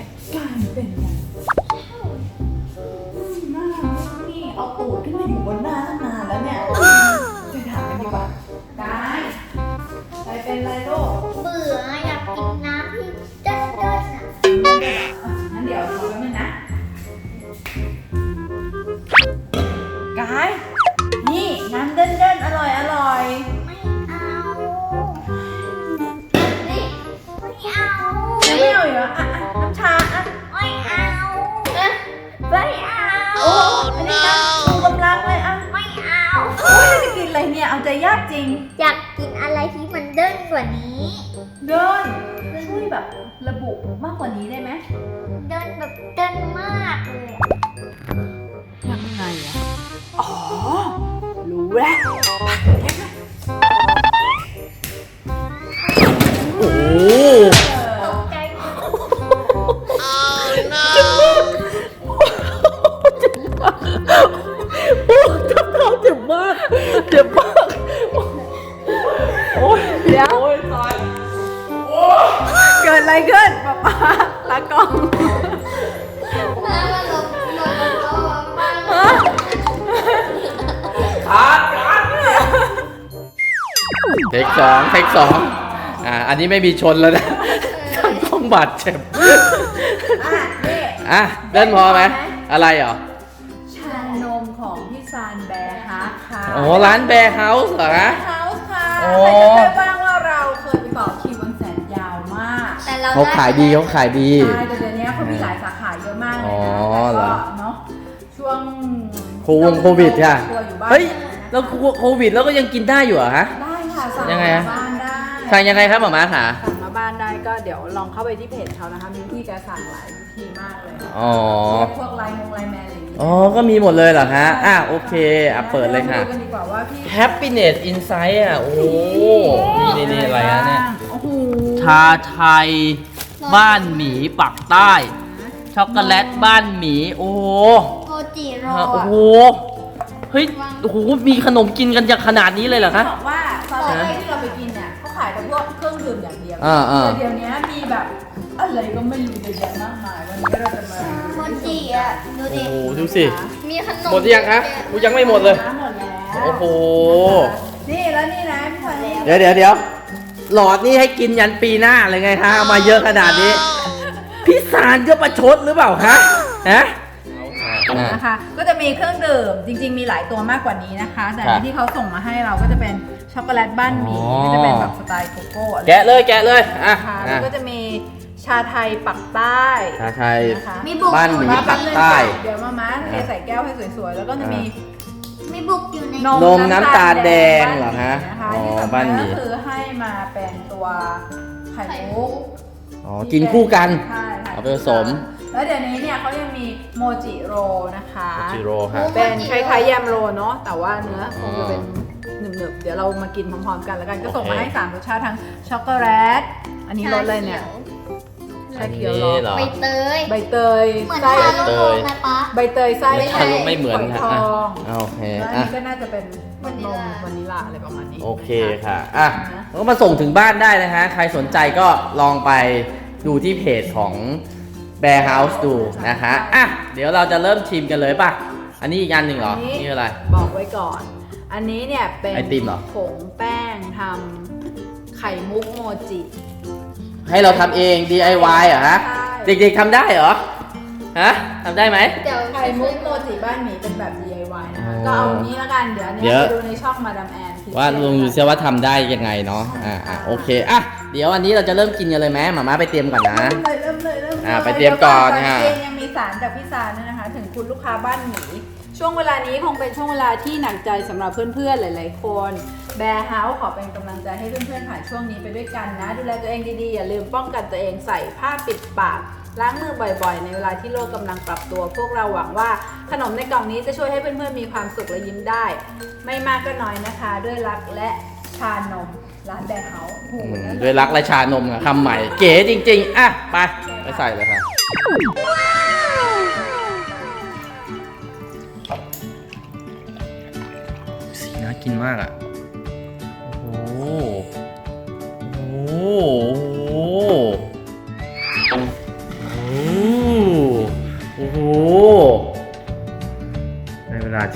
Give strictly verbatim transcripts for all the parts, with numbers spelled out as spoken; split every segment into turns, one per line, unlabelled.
กลายเป็นไงน่ารักนี่เอาตูดขึ้นมาอยู่บนหน้าตั้งนานแล้วเนี่ยไปถามกันดีกว่ากายกายเป็นไรลูก
เบื่ออยากกินน้ำที่เด้นๆอ่ะ
งั้นเดี๋ยวรอแป๊บนึงนะกายนี่น้ำเด่นๆอร่อยอร่อย
ไม่เอานี่ไม่เอา
ยังไม่เอาอีกเหรออ่ะอ่ะน้ำชาอ่ะ
ไม่เอาไม่เอา
โอ้อันนี้นะชูกำลังเลยอ่ะ
ไม่เอา
โอ้ยจะกินอะไรเนี่ยเอาใจยากจริง
อยากกินอะไรที่มันเด้นกว่านี้
เดินช่วยแบบระบุมากกว่านี้ได้ไหม
เด้นแบบเด้นมากเลยอะ
ยังไงอ่ะอ๋อรู้แล้ว
โอ้โห
ตกใจหมด
โอ้ทับเท้าเจ็บมากเจ็บมากโอ้ย
เดี๋ยว
โอ้ยตาย
เกิดอะไรขึ้นป๊าป๊าตากล้อง
มามาลงลงลงมา
ฮะ
ขาดขาดเทคสองเทคสองอ่าอันนี้ไม่มีชนแล้วนะต้องบาดเจ็บ
อ่ะนี่
อ่ะเดินพอไหมอะไรเหรอ
ชานมของพี่ซานแบร์ฮักค่ะ
โอ้ร้านแบร์เฮาส์เหรอ
แบ
ฮะ
ร์เฮาส์ค่ะ
โอ้
ใครจำได้บ้างว่าเราเคยไปต่อคิววันแสนยาวมาก
แต่เรา
เขาขายดีเขาขายดี
ใช่แต่เดี๋ยวนี้เขามีหลายสาขาเยอะมากเลย
อ๋อ
นะ
เหร
แต่
อ
ก็เนาะช่วง
โควงโควิดค่ะ
ตัวอยู่บ้าน
เฮ้ยแล้วโควิดแล้วก็ยังกินได้อยู่เหรอฮะ
ได้ค่ะสั่ง
ยังไง
มา
อะ
บ้านได้
สั่งยังไงครับหมอม้าขา
สั่งมาบ้านได้ก็เดี๋ยวลองเข้าไปที่เพจเขานะคะมีวิธีการสั่งหลายวิธีมากเลย
อ๋อ
พวกไลน์มงไลน์แมนอะไรอย่างเงี้ย
อ๋อ ก็มีหมดเลยเหรอฮะ อ่ะโอเค อ่ะเปิดเลยค่ะ
รามาดูกันดีกว่าว่าพี่
Happiness Insight อ่ะ โอ้โห นี่นี่นี่อะไรอะเนี่ย
โอ้โห
ชาไทย บ้านหมีปักใต้ ช็อกโกแลตบ้านหมี โอ้โห
โมจิโร
โอ้โห เฮ้ย โอ้โห มีขนมกินกันจากขนาดนี้เลยเหรอคะ
บอกว่าตอนแรกที่เราไปกินเนี่ยเขาขายแต่พวกเครื่องดื่มอย่างเดียว
อ่าอ่า
แต่เดี๋ยวนี้มีแบบอะไรก็ไม่รู้เยอะแยะมากมายวันนี้เราจะมา
โมจิอ่ะดู
โอ้
ดิ
โห ดูสิ
มีขนม
หมดหรือยังคะกูยังไม่หมดเลย
น้ำหมดแล้ว
โอ้โห
นี่แล้วนี่นะพี่พันนี่
เดี๋ยวเดี๋ยวเดี๋ยวหลอดนี่ให้กินยันปีหน้าเลยไงคะเอามาเยอะขนาดนี้ พี่สารก็ประชดหรือเปล่าคะฮะ
นะคะก็จะมีเครื่องดื่มจริง ๆ มีหลายตัวมากกว่านี้นะคะ แต่
ครับ
ที่เขาส่งมาให้เราก็จะเป็นช็อกโกแลตบ้านหมี
อ๋อ
ก็จะเป็นแบบสไตล์โกโก้อะไร
แกะเลยแกะเลยอ่ะ
นะคะ
อ่ะ
แล้วก็จะมีชาไทยปักใต้
ชาไทย
นะคะ
มีบุก
บ้านหมี
อยู่
ปักใต้
เดี๋ยวมาม้าเทใส่แก้วให้สวยๆ แล้วก็จะมี
มีบุกอยู่ใน
นม
นมน้ำตาลแดงเหรอฮะ
นะคะ
อ๋อ
ที่สำ
บ้า
คั
น
ญ
หมี
ก็คือให้มาเป็นตัวไข่มุก
อ๋อ กินคู่กัน
ใช่ค่ะ
เอาไปผสม
แล้วเดี๋ยวนี้เนี่ยเขายังมีโมจิโรนะคะ
จิโร่ค่ะ
เป็นคล้ายๆแยมโรเนาะแต่ว่าเนื้อคงจะเป็นหนึบๆเดี๋ยวเรามากินพร้อมๆกันแล้วกันก็ส่งมาให้สามรสชาติทั้งช็อกโกแลตอันนี้รสอะไรเนี่ยชาเขียว
นี่เหรอ
ใบเตย
ใบเตย
เหมือน
ไส้
ทาโร่ไหมป๊า
ใบเตยไส้
ไม่ใช่ไม่เหมือน
ฝ
ค่ะ
ยทอง
อ่ะโอเค
แล้วอัน
อ่ะ
นี้ก็น่าจะเป็นนมวานิลลาอะไรประมาณนี้
โอเคค่ะ อ่ะก็มาส่งถึงบ้านได้นะฮะ ใครสนใจก็ลองไปดูที่เพจของ Bear House ดูนะคะ อ่ะ เดี๋ยวเราจะเริ่มชิมกันเลยป่ะ อันนี้อีกอันหนึ่งเหรอ นี่อะไร
บอกไว้ก่อน อันนี้เนี่ยเป็น
ไอติมเหรอ
ผงแป้งทำไข่มุกโมจิ
ให้เราทำเอง ดี ไอ วาย เหรอฮะ
ใช่
เด็กๆทำได้เหรอ ฮะทำได้ไหม
เดี๋ยว
ไข่มุกโมจิบ้านหมีเป็นแบบ ดี ไอ วาย นะคะ
อ๋อ
ก็เอานี้แล้วกัน เดี๋ยวอันนี้
เดี๋ยว
ไปดูในช่องมาดามแอน
ว่าลองดูซิว่าทำได้ยังไงเนาะ อ่าอ่ะโอเค อ่ะ เดี๋ยวอันนี้เราจะเริ่มกินกันเลยไหมหมาม่าไปเตรียมก่อนนะ
เริ่มเลยเริ่มเลยเริ่มเลย
อ่าไปเตรียมก่อน
เดี๋ยว
ค่ะ
ก่อนยังมีสารจากพี่สารด้วยนะคะ ถึงคุณลูกค้าบ้านหมี ช่วงเวลานี้คงเป็นช่วงเวลาที่หนักใจสำหรับเพื่อนๆ หลายๆ คนแบร์เฮาส์ขอเป็นกำลังใจให้เพื่อนๆ ผ่านช่วงนี้ไปด้วยกันนะ ดูแลตัวเองดีๆ อย่าลืมป้องกันตัวเองใส่ผ้าปิดปาก ล้างมือบ่อยๆ ในเวลาที่โลกกำลังปรับตัว พวกเราหวังว่าขนมในกล่องนี้จะช่วยให้เพื่อนๆ มีความสุขและยิ้มได้ ไม่มากก็น้อยนะคะ ด้วยรักและชานมร้านแบร์เฮาส์โอ้โห
อืม
นั่น
ด้วยรักและชานมอะคำใหม่ เก๋จริงๆ อ่ะ ไป ไปใส่เลยค่ะ สีน่ากินมากอ่ะ โอ้โห โอ้โห โอ้โห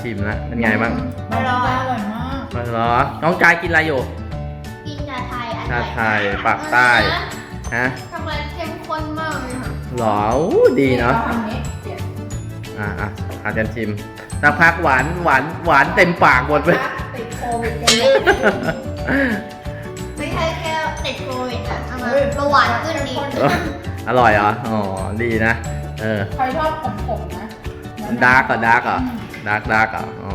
ชิมแล้วเป็นไงบ้าง
อร่อยอร่อยมาก
เหรอน้องกายกินอะไรอยู่
กินชาไทยอ
ชา
ร่อย
ไทยปากใต้ฮะ
ช็อกโกแลตเข้มข้นมากเลยค่ะ
หรออู้ดีเนาะ
ทำนี้เดี๋ยว
อ่ะอ่ะอาจารย์ชิมสักพักหวานหวานหวานเต็มปากหมดไป
ติดโควิดกันเลย
ไม่ใช่แค่ติดโควิดนะเอามาเบาหวานขึ้นดี
อร่อยเหรออ๋อดีนะเออ
ใครชอบขมๆนะ
ดาร์กอ่ะดาร์กอ่ะดาร์กดาร์กอ่ะอ๋อ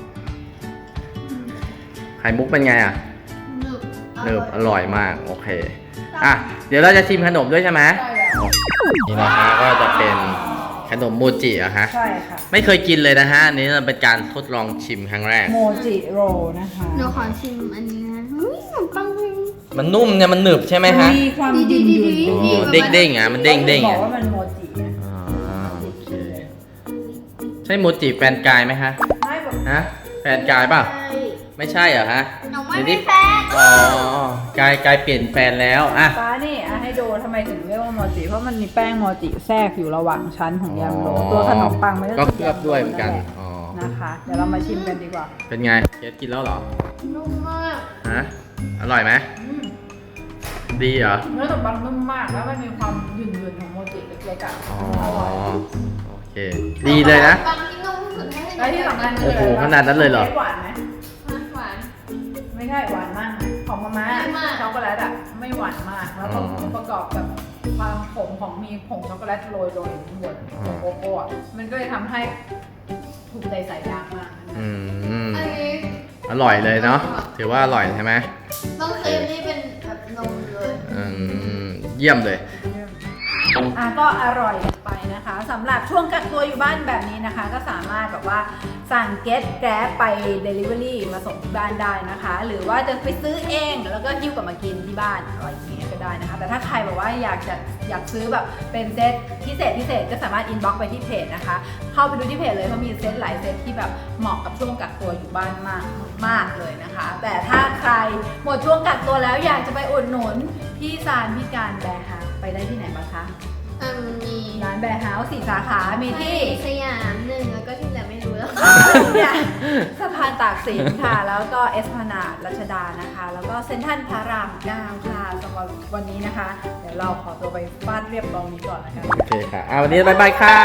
ไข่มุกเป็นไงอ่ะ
หนึบ
เนิบอร่อยมากโอเคอ่ะเดี๋ยวเราจะชิมขนมด้วยใช่ไหม
ใช่แล้ว
นี่นะฮะก็จะเป็นขนมโมจิอะฮะ
ใช่ค่ะ
ไม่เคยกินเลยนะฮะอันนี้เป็นการทดลองชิมครั้งแรก
โมจิโรนะคะ
หนูขอชิมอันนี้นะอุ้ยขนมปังจริง
มันนุ่มเนี่ยมันหนึบใช่ไหมฮะ
มีความ
ดี
ดิ
ดี
น
ดี
ๆ
อ๋
ดี
อเด้งเด้งๆอ่ะมันเด้งเด้ง
บอ
อ่ะ
กว่ามันโมจินะ
อ่าโอเคใช่โมจิแฟนกายไหมฮะ
ไม่แบบ
ฮะแฟนกายเปล่าไม่ใช่เหรอฮะ
หนูไม่
เดี๋ยว
มี
นี้
แฟน
อ๋อกายกายเปลี่ยนแฟนแล้วอ่ะ
ฟ้านี่อ่ะให้ดูทำไมถึงเรียกว่าโมจิเพราะมันมีแป้งโมจิแทรกอยู่ระหว่างชั้นของยำโรตัวขนมปังมัน
ก็เคลือบด้วยเหมือนกันอ๋อ
นะคะ เดี๋ยวเรามาชิมกันดีกว่า
เป็นไงเคสกินแล้วเหรอ
นุ่มมาก
ฮะอร่อยไหม
อืม
ดีเหรอ
เนื้อขนมปังนุ่มมากแล้วมันมีความหยุ่นๆของโมจิเล็กๆอ่ะ
อ๋อ
อร่อย
โอเคดีเลยนะ
ปังที่นุ่มที่สุดให้
แล้วที่สำคัญ
โอ้โหขนาดนั้นเลยเหรอ
หวานไหม
หวาน
ไม่ใช่หวานมากนะของมาม่า
ไม่มาก
ช็อกโกแลตอ่ะไม่หวานมากแล้วก็
อ๋อ
ประกอบกับความขมของมีผงช็อกโกแลตโรยโรยอยู่ข้างบน
อ๋อ
โกโก้อะมันก็เลยทำให้ถูกใจสายยางมากนะ
อืม
อันนี้
อร่อยเลยเนาะถือว่าอร่อยใช่ไหม
ต้องครีมนี่เป็นแบบนมเลย
อืมเยี่ยมเลย
อ่ะก็อร่อยกันไปนะคะสำหรับช่วงกักตัวอยู่บ้านแบบนี้นะคะ ก็สามารถแบบว่าสั่งเก็ตแกร็บไป Delivery มาส่งที่บ้านได้นะคะ หรือว่าจะไปซื้อเองแล้วก็หิ้วกลับมากินที่บ้านอะไรอย่างเงี้ยก็ได้นะคะ แต่ถ้าใครแบบว่าอยากจะอยากซื้อแบบเป็นเซตพิเศษพิเศษก็สามารถอินบ็อกซ์ไปที่เพจนะคะ เข้าไปดูที่เพจเลยเขามีเซตหลายเซตที่แบบเหมาะกับช่วงกักตัวอยู่บ้านมากมากเลยนะคะ แต่ถ้าใครหมดช่วงกักตัวแล้วอยากจะไปอุดหนุนพี่ซานพี่การแบร์ค่ะไปได้ที่ไหนบ้างคะ
อ่ะมี
ร้านแบร์เฮาส์สี่สาขา มีที่
สยามหนึ่งแล้วก็ที่เหลือไม่รู้แล้ว
เนี่ยสะพานตากสินค่ะ แล้วก็เอสพนาดรัชดานะคะ แล้วก็เซ็นทรัลพระรามเก้าค่ะสำหรับวันนี้นะคะ เดี๋ยวเราขอตัวไปฟาดเรียบกองนี้ก่อนนะคะ
โอเคค่ะอ่ะวันนี้บายบายค่ะ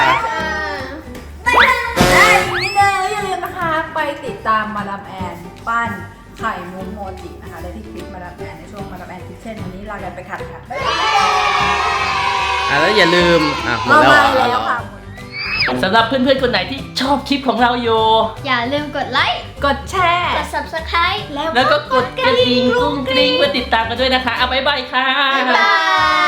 ได้นิดนึงอย่าลืมนะคะ ไปติดตามมาดามแอนปั้นไข่มุกโมจินะคะ ได้ที่คลิปมาดามแอนในช่วงมาดามแอนคิทเช่นวันนี้ลากันไปค่ะค่ะบ๊ายบาย
อ่ะแล้วอย่าลืมอ่ะหมด
เอา
แล้วเหรอ
มาแล้วค่ะ
สำหรับเพื่อนๆคนไหนที่ชอบคลิปของเราอยู่
อย่าลืมกดไลค์
กดแชร์
กด ซับสไครบ์
แล้วก็กดกระดิ่งกุ้งกริ้งเพื่อติดตามกันด้วยนะคะเอาบ๊ายบายค่ะ
บ๊ายบาย